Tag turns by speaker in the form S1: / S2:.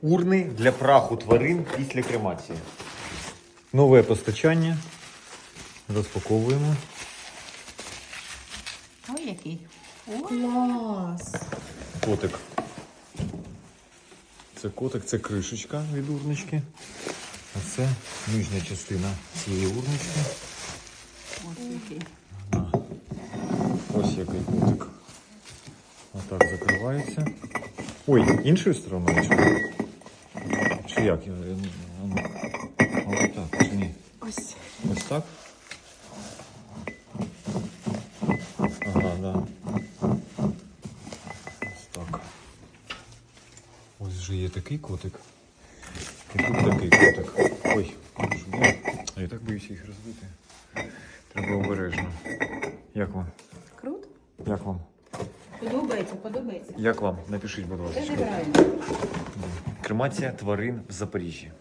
S1: Урни для праху тварин після кремації. Нове постачання. Розпаковуємо.
S2: Ой, який.
S3: Клас!
S1: Котик. Це котик, це кришечка від урнички. А це нижня частина цієї урнички.
S2: Ось який.
S1: Ось який котик. Отак закривається. Ой, іншою стороною чи? Чи як? Ось так, чи ні?
S3: Ось.
S1: Ось так? Ага, да. Ось так. Ось вже є такий котик. І тут такий котик. Ой, я так боюся їх розбити. Треба обережно. Як вам?
S2: Круто.
S1: Як вам?
S2: Подобається, подобається.
S1: Як вам? Напишіть, будь
S2: Це
S1: ласка.
S2: неправильно.
S1: Кремація тварин в Запоріжжі.